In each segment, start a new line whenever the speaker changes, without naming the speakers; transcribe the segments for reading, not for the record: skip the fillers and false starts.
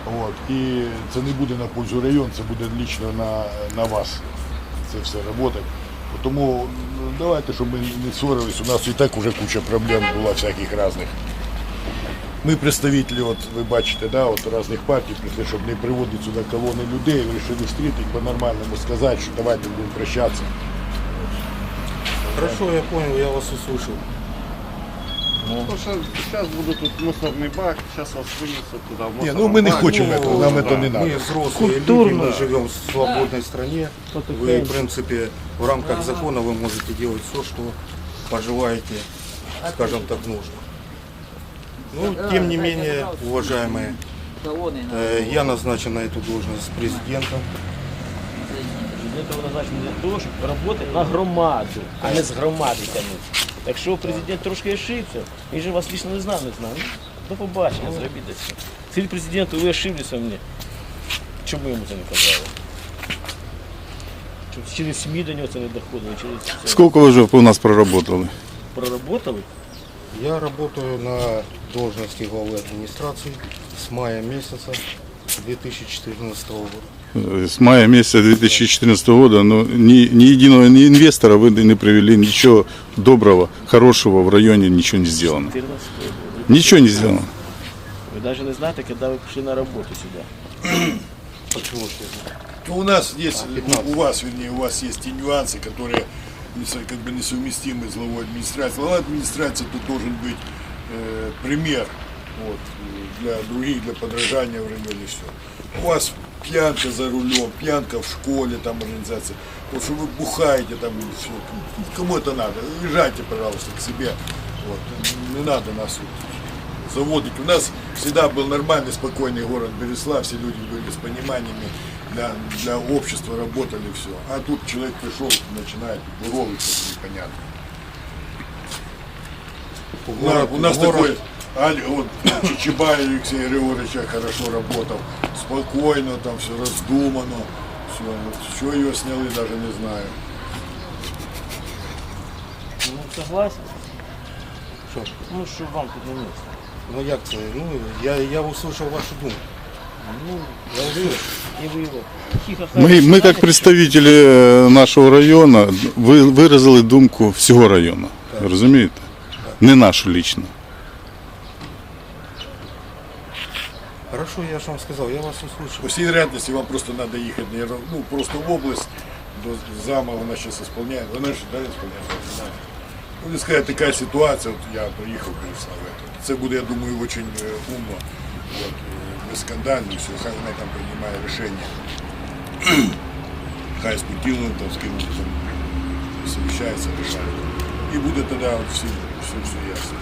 От. І це не буде на пользу району, це буде лично на вас. Це все працювати. Тому давайте, щоб ми не ссорились, у нас і так вже куча проблем була всяких різних. Ми представники, от ви бачите, да, от різних партій прийшли, щоб не приводити сюди колони людей, вирішили зустріти, по-нормальному сказати, що давайте будемо прощатися.
Хорошо, я понял, я вас услышал.
Сейчас будут тут мусорный бак, сейчас вас вынесут туда в
Ні,
мусорный
ну ми не
бак.
хочемо цього, нам це не
Мы
треба.
взрослые люди, мы живем в свободной стране. Вы, в принципе, в рамках закона вы можете делать все, что пожелаете, скажем так, нужно. Ну, тем не менее, уважаемые, я назначен на эту должность президентом.
Президент назначений для того, щоб працювати на громаду, а не з громади тягнути. Якщо президент трошки ошибся, він же вас лично не знав. До побачення, зробіть це. Скажіть президенту, ви ошиблися мені. Чому йому це не казали? Щоб через СМІ до нього це не доходило, через це.
Сколько вы уже у нас проработали?
Проработали?
Я работаю на должности главы администрации с мая месяца 2014 года.
С мая месяца 2014 года, но ни единого ни инвестора вы не привели, ничего доброго, хорошего в районе ничего не сделано.
14 років.
Ничего не сделано.
Ви навіть не знаєте, коли ви прийшли на роботу сюди.
Почему ж я знаю?
Ну, у нас есть, у вас, вернее, у вас есть те нюансы, которые как бы несовместимы с главой администрации. Глава администрации тут должен быть пример вот, для других, для подражания в районе все. У вас пьянка за рулем, пьянка в школе, там организация. Вот что вы бухаете там, все. Кому это надо? Езжайте, пожалуйста, к себе. Вот. Не надо нас вот заводить. У нас всегда был нормальный, спокойный город Бересла, все люди были с пониманиями, для общества работали, все. А тут человек пришел, начинает буровиться, непонятно. У нас такой, вот, Чичибай Алексей Григорьевич хорошо работал, спокойно, там все раздумано, все. Вот, что ее сняли, даже не знаю.
Ну, согласен.
Що?
Ну, що вам тут не місце.
Ну як це? Ну, я услышал вашу думку.
Ну, я услышал. И вы его тихо
Мы как представители нашого району виразили думку всього району. Розумієте? Не нашу лично.
Хорошо, я же вам сказал, я вас услышал.
По всей вероятности вам просто надо ехать, наверное, ну, просто в область, до зама она сейчас исполняет, она же, да, исполняет, ну, не сказать, такая ситуация, вот я приехал, конечно, в это. Це буде, я думаю, очень умно, вот, без скандалів, все, хай вона там приймає рішення. Хай з Путіном, там, з ким там совещается, решает. І буде тоді все ясно.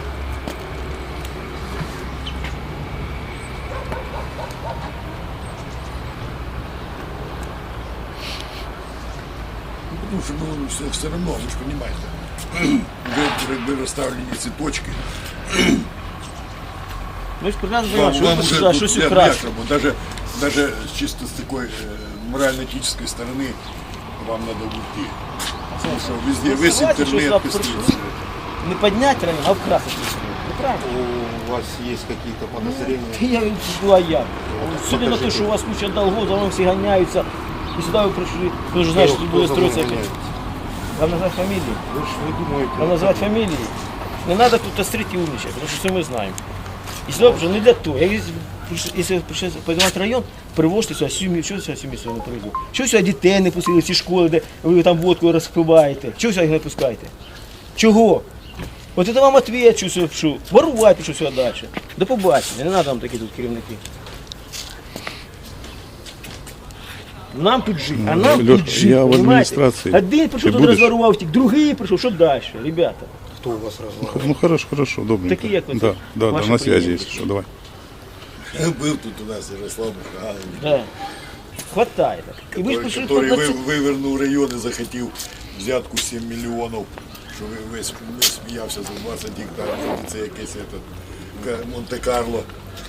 Потому что ну, все равно, вы же понимаете, вы расставлены цветочки.
Ми ж прекрасно розуміємо, що ви прийшли сюди щось
для
украсти.
некому, даже чисто с такой морально-этической стороны вам надо уйти. Потому что везде, весь
Согласен, що
интернет
сюди
пестрит.
прийшли не підняти район, а вкрасити. Ну, правильно.
У вас есть какие-то подозрения?
Я була я. Судя на те, що у вас куча долгов, за вами всі ганяються. І сюди ви прийшли, ви ж знаєте, що тут буде строїтися якось. Вам назвати фамілії?
Вы же вы думаете?
Вам назвати фамілії? Не треба тут острити і умничати, тому що це ми знаємо. І сюди вже не для того. Якщо прийшли подавати район, привозьте сюди сім'ю, чого сюди сім'ю не привезли? Чого сюди дітей не пустили в ці школи, де ви там водку розпиваєте? Чого сюди їх не пускаєте? Чого? От це вам відповідь, що ворувати, що сюди далі. До побачення, не треба вам такі тут керівники. Нам тут жити, а нам
Льош,
тут жити,
я в
понимаете?
адміністрації.
Один прийшов,
Ти
тут
будеш?
розворував, втік, другий прийшов, що далі, ребята?
Кто у вас разговаривает?
Ну хорошо, добренько.
Такі, як ви,
Да, да,
ваші
на связи,
приятелі.
если что, давай.
Был тут у нас Ярослав Михайлович,
Да. Хватает. И вы же пришли
который
под
вивернув район і захотів взятку 7 мільйонів, що весь сміявся за 20 гектарів, це якесь Монте-Карло.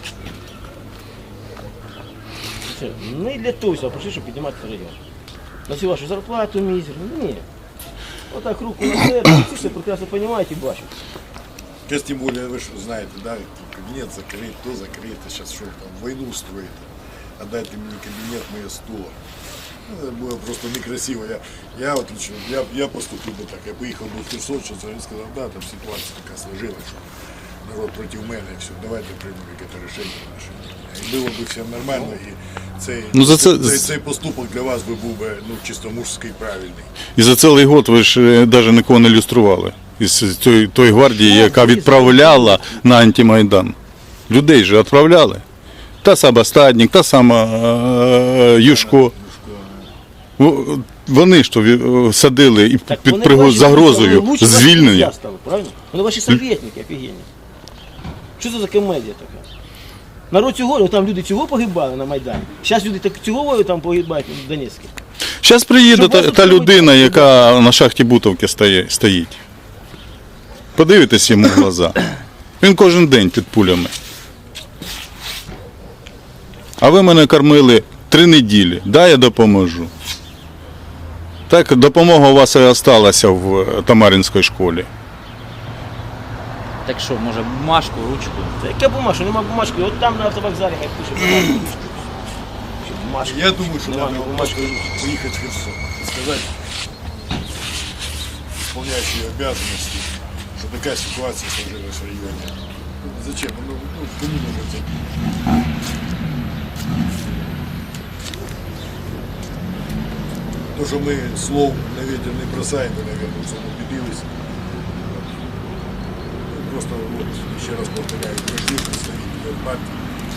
Не для того все пришли, чтобы поднимать район. На всю вашу зарплату мизерную. Нет. Вот так руку на сердце, все прекрасно понимаете и бачите.
Сейчас тем более, вы же знаете, да, кабинет закрыт, то закрыто, сейчас что там, войну строит. отдайте мне кабинет, мое стуло. Это было просто некрасиво. Я вот лично, я поступил бы так. Я поехал бы в Херсон, сейчас и сказал, да, там ситуация такая сложилась, что народ против мене, і все, давайте приймемо якесь рішення наше. І було б все нормально, і цей поступок для вас би був би чисто мужський, правильний.
І за цілий год ви ж навіть нікого не люстрували. Із тої гвардії, яка відправляла на антимайдан. Людей же відправляли. Та сама Стадник, та сама Юшко. Вони ж то садили і під загрозою звільнення.
Вони ваші советники офігенні. Що це за комедія така? Народ цього, там люди цього погибали на Майдані. Зараз люди цього там погибають в Донецьку.
Зараз приїде та людина, яка на шахті Бутовки стоїть. Подивитесь йому в глаза. Він кожен день під пулями. А ви мене кормили 3 неділі. Дай я допоможу. Так допомога у вас і залишилася в Тамаринській школі.
Так що, може, бумажку, ручку?
Та яка бумажка? Нема бумажки. От там на автовокзалі хай пише бумажку. Бумажка.
Я думаю, что
Нема
надо
бумажки.
поехать в Херсон и сказать исполняющие обязанности, что такая ситуация сложилась в районе. Зачем? Кому нужно взять? То, что мы слов на ветер не бросаем, вы, наверное, уже убедились. Просто вот, еще раз повторяю, пришли представители партии.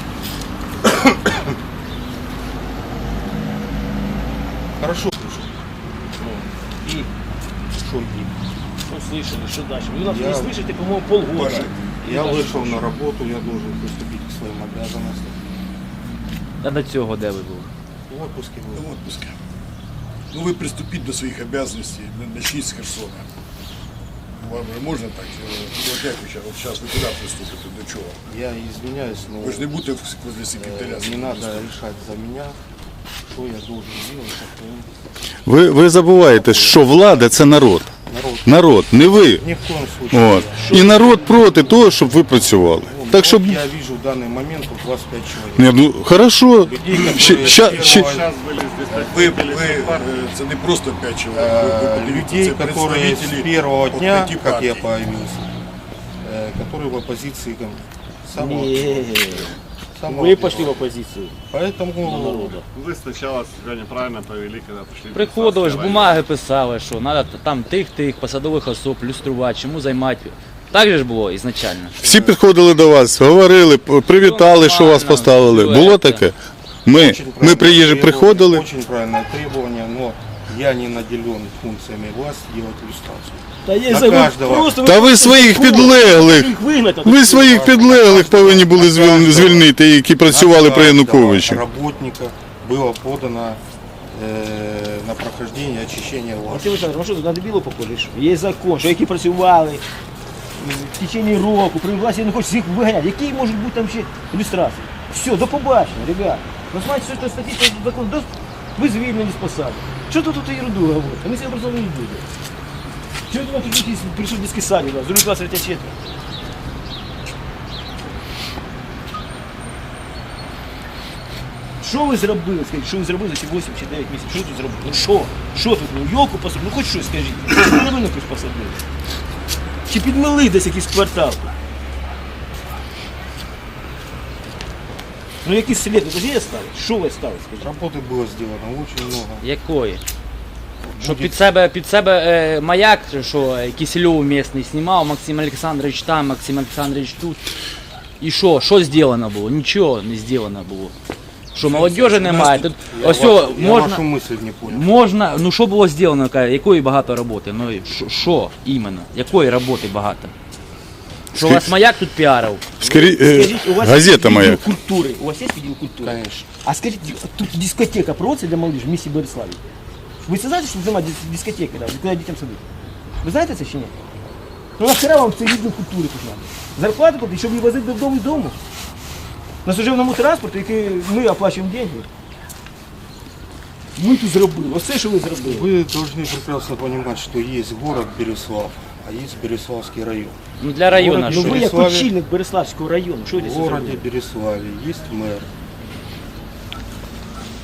Хорошо пришли.
И
Что и?
ну, слышали, что дальше? Вы нас
Я-
не слышите, по-моему, полгода.
Паша,
Я вышел на работу, я должен приступить к своим обязанностям.
А до цього де ви були?
В отпуске был.
в отпуске. Ну, вы приступить до своих обязанностей, начните с Херсона. Вам же можно так? Вот как вы сейчас вы куда приступите, до чего?
Я извиняюсь, но
Вы же не будете возле секретаря.
не надо решать за меня, что я должен делать. Какой
Ви забуваєте, що влада – це народ.
народ.
Народ, не ви.
Ни в коем случае.
От. І народ проти того, щоб ви працювали. Так що,
Вот я вижу в данный момент тут 25 человек.
ні, ну, хорошо.
Людей, которые
Ща-
первого-
Сейчас были здесь
Це не просто 5 человек. Вы подивіться,
людей,
це
которые с
представители
первого
от
дня,
5
как я
партий.
появился, которые в оппозиции ко мне. Самого-
Не,
самого
вы пошли в
первого.
оппозицию.
Поэтому
Народа.
Вы сначала себя неправильно повели, когда пришли. в
Приходили ж,
Красавский
бумаги писали, що треба там тих посадових особ люструвати, чому займати. Так же ж було ізначально.
Всі підходили до вас, говорили, привітали, що вас поставили. Було таке? Ми приїжджі приходили.
Очень правильное требование, но я не наделен функциями власти делать иллюстрацию.
Та є
На
забув,
каждого.
просто
Та ви своїх підлеглих,
їх вигнати.
ви своїх підлеглих повинні були звільнити, які працювали при Януковичі.
Работника было подано на прохождение очищения власти.
Максим Олександрович, ну що тут на дебілу похоже? Що? Є закон, що які працювали в течение року, при власті не хочуть їх виганяти. Які можуть бути там ще ілюстрації? Все, до побачення, ребят. Ну, знаєте, що це статистика закон, ви звільнені з посади. Що тут ерунду говорите? Ми себе просто не будемо. Чого ви тут якісь прийшли в дитячий садик, з другий клас, третя четверть? Що ви зробили? Скажіть, що ви зробили за ці 8 чи 9 місяців? Що тут зробили? Ну що? Що тут? Ну, йолку посадили? Ну хоч щось скажіть. Що ви хоч посадили? Чи підмили десь якийсь квартал? Ну якісь сліди, тоді є стали? Що ви стали, скажіть?
Работы было сделано очень много.
Якої? Що під себе маяк, що Кисельов місний знімав, Максим Олександрович там, Максим Олександрович тут. І що? Що зроблено було? Нічого не зроблено було. Що молодежі немає? Тут ось
Я вашу
можна,
мысль не понял.
можна, ну що було зроблено, якої багато роботи? Ну і що іменно? Якої роботи багато? Що у вас маяк тут піарив?
Скажіть, у вас
Газета
є
«Маяк».
відділ культури? У вас є відділ культури?
Конечно.
А скажіть, тут дискотека проводиться для молодежи в місті Бориславі? Ви це знаєте, що це дискотека, да? Куди дітям садити? Ви знаєте це чи ні? Ну нахера вам цей відділ культури тут треба? Зарплату платити, щоб її возити додому і дому? На служебному транспорті, який ми оплачуємо гроші. Ми тут зробили, оце що ви зробили.
Вы должны прекрасно понимать, что есть город Береслав, а есть Береславский район.
Ну для району
Город,
Ну
що?
ви як
Бориславі-
очільник Береславського району, що ви
В
це
городе
зробили?
Береславе есть мэр,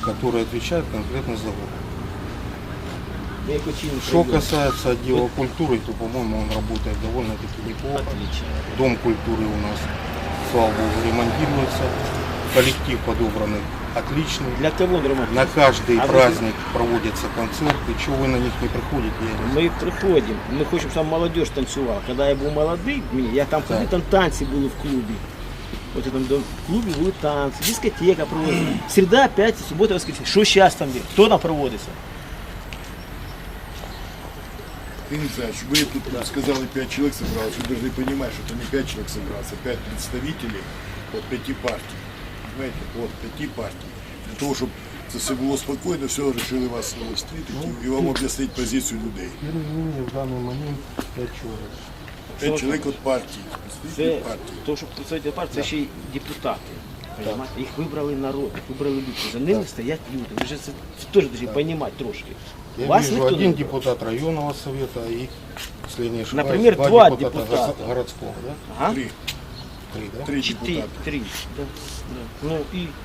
который отвечает конкретно за город.
Я хочу им
Что
пройдем.
касается отдела культуры, то, по-моему, он работает довольно-таки неплохо.
Отлично.
Дом культуры у нас, слава богу, ремонтируется. Коллектив подобранный отличный.
Для кого он ремонт?
На каждый
А вы-
праздник проводятся концерты. Чего вы на них не приходите, я не знаю.
Ми приходимо, ми хочемо, щоб молодіж танцювала. Коли я був молодий, я там ходив, там танці були в клубі. От там в клубі були танці, дискотека проводиться. Середа, п'ятниця, субота, воскресенье. Що зараз там є? Хто там проводиться?
Ты не знаешь, вы тут сказали 5 человек собралось, вы должны понимать, что это не 5 человек собралось, а 5 представителей от 5 партий. Понимаете, от 5 партий. Для того, чтобы це все було спокійно, все решили вас встретити і вам об'яснити позицію людей.
Тем не менее, в данный момент 5 человек.
5 чоловік від партії,
Це,
представителі партії.
то, що представителі партії, це ще й депутати. Понимаєте? Їх вибрали народ, їх вибрали люди. За ними стоять люди. Ви ж це теж повинні розуміти трошки.
Я
Вас
вижу
ніхто
один
не-
депутат районного совета и, если я не ошибаюсь,
Например, два
два
депутата.
городского, да?
Ага.
3
да?
3
Три,
депутати.
три. Да. Да. Ну і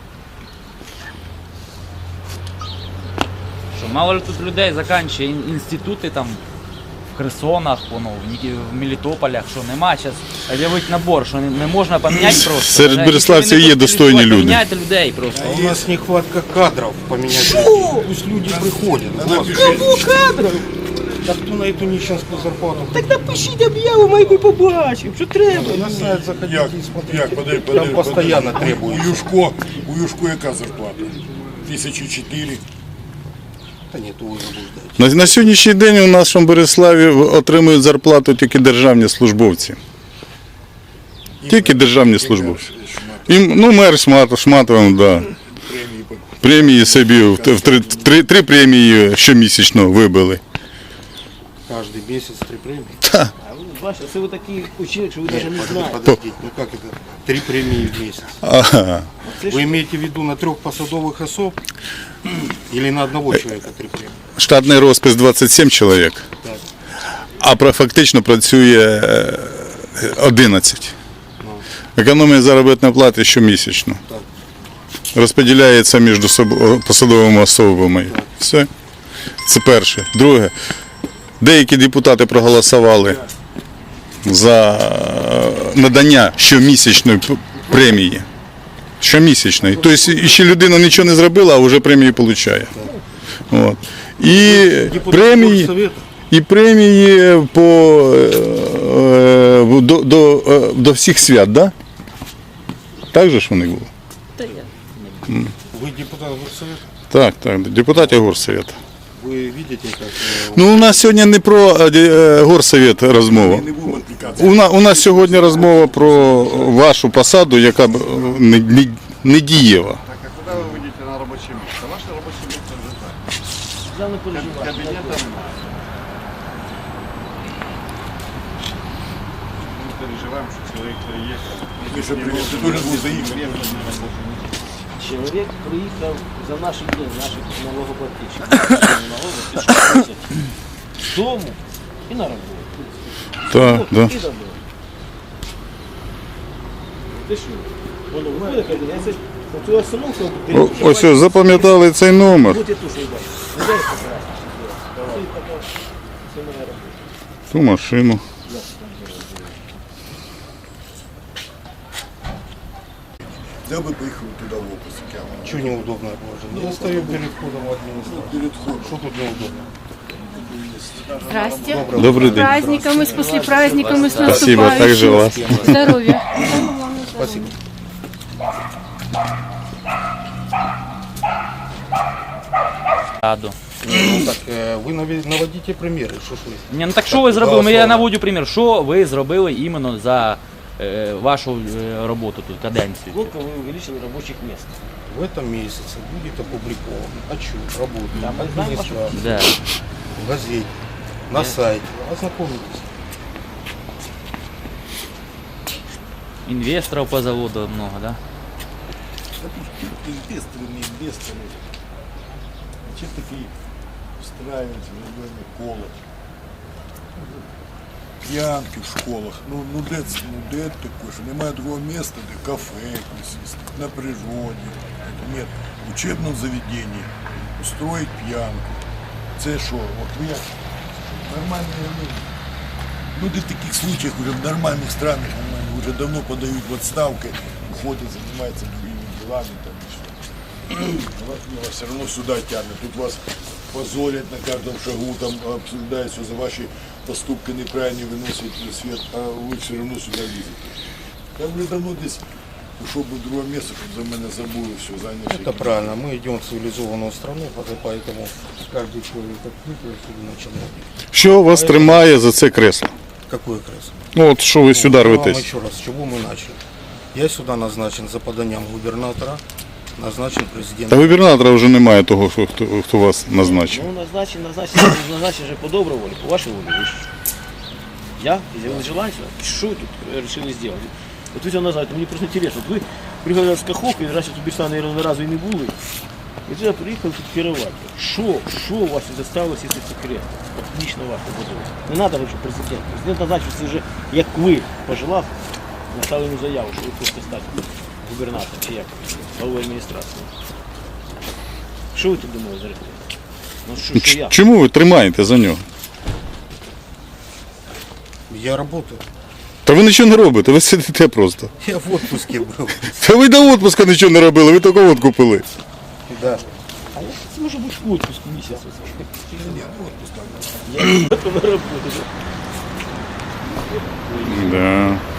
Що, мало ли тут людей заканчує інститути там в Херсонах, воно, в Мелітополях, що нема зараз об'явити набор, що не можна поміняти просто.
Серед
Якщо
береславців
ви не
є
хочете
достойні
лікувати,
люди.
Поміняйте людей просто.
А у нас нехватка кадров поменять. людей. Пусть люди приходят.
кадрів.
Так кто на эту нищенскую зарплату?
Так напишіть об'яву, ми би побачимо, що треба.
На сайт заходите
Як,
и смотрите.
як, подай,
Там постоянно
У
требуется.
Юшко яка зарплата? 1004.
Да нет, вы заблуждаетесь.
На сьогоднішній день у нашому Береславі отримують зарплату тільки державні службовці. Тільки державні службовці. І, ну, мер Шматов, да.
Премії по
Премії собі в три премії щомісячно вибили.
Каждый месяц 3 премии.
А ви бачите, це ви такі учили, що ви навіть не знаєте.
Подождите, ну как это? 3 премии в месяц.
Ага.
Вы имеете в виду на 3 посадовых особ или на одного человека 3 премии?
Штатний розпис 27 чоловік,
Так.
а фактично працює 11. Економія заробітної плати щомісячно.
Так.
Розподіляється між посадовими особами. Все. Це перше. Друге. Деякі депутати проголосували за надання щомісячної премії. Щомісячної. Тобто ще людина нічого не зробила, а вже премію отримує. От. І премії до всіх свят, да? Так же ж вони були?
Вы депутат горсовета?
Так, депутатів горсовета.
Вы видите, как
Ну, у нас сьогодні не про горсовет розмова.
не будемо відвлікатися.
У нас сьогодні розмова про вашу посаду, яка не дієва.
Так, а куда вы выйдете на рабочее место? Ваше рабочее место уже так.
Я не переживаю.
Кабинет там. Мы переживаем, что человек приехал.
Ми ще привіз, ти дуже був заїхати.
Чоловік приїхав за наші дні, наших налогоплательщиків. З дому і на роботу.
Так, да.
І додому. Ти що? Воно виходить, каже, я це цю остановку
Ось, запам'ятали цей номер.
Будь я тут що йде. Не дай покрасти. Це моя робота.
Ту машину.
Я би поїхав туди в опис.
что неудобное положение? Достаю перед входом в администрацию.
Перед входом.
Что тут неудобно?
Здрасте.
Добрий
С
день.
праздником и с после праздником и с
Спасибо,
наступающим.
также вас.
Здоровья.
Спасибо.
Раду.
Ну, так, вы наводите примеры, что ж вы.
Ні, ну так що ви зробили? Я наводю примір. Що ви зробили іменно за вашу роботу тут, каденцію?
Сколько вы увеличили рабочих мест?
В этом месяце будет опубликован отчет работы
Да, мы знаем вашу-
администрации
Да.
в газете, на сайте. Ознакомитесь.
Інвесторів по заводу много, да?
Инвесторы, не инвесторы. Зачем такие устраивать в районе колокол? п'янки в школах. Де таке, що немає другого місця, де кафе якось, на природі. Ні, в учебному заведенні устроїть п'янку. Це що? От ви як нормальні люди. Люди в таких случаях уже в нормальных странах уже давно подают в отставку, уходят, занимаются другими делами. Там, и что. Вас все равно сюда тянут. Тут вас позорят на каждом шагу, там обсуждают все за ваши поступки неправильные, выносят на свет, а вы все равно сюда лезете. Я уже давно здесь ушел бы в другое место, чтобы за меня забыл все, занялся.
Это правильно. Мы идем в цивилизованную страну, поэтому каждый человек открытый особенно чиновник.
Що вас тримає за це кресло?
Какое кресло?
Ну от що ви сюди
Вам
рветесь?
еще раз, с чего мы начали? Я сюда назначен за поданием губернатора, назначен
Та
президентом.
губернатора вже немає того, хто вас назначив.
Ну, назначен же по доброй воле, по вашей воле. Вы ж- Я, изъявил желание, что вы тут решили сделать? Вот вы все назад, мне просто интересно, вот вы приехали з Каховки, раньше тут більше, наверное, разу і не були. І туди приїхали тут керувати. Що у вас заставилось, якщо секрет? От лично ваше задумалось. Не треба говорити, що президент. Президент назначив, це вже, як ви пожелав, написали йому заяву, що ви хочете стати губернатором, чи як, головою адміністрації. Що ви тут думали за рекламу? Ну, що я?
Чому ви тримаєте за нього?
Я работаю.
Та ви нічого не робите, ви сидите просто.
Я в отпуске был.
Та ви до відпуску нічого не робили, ви тільки водку пили.
Да.
А як це може бути в отпуску місяць? Я в роботу.
Да.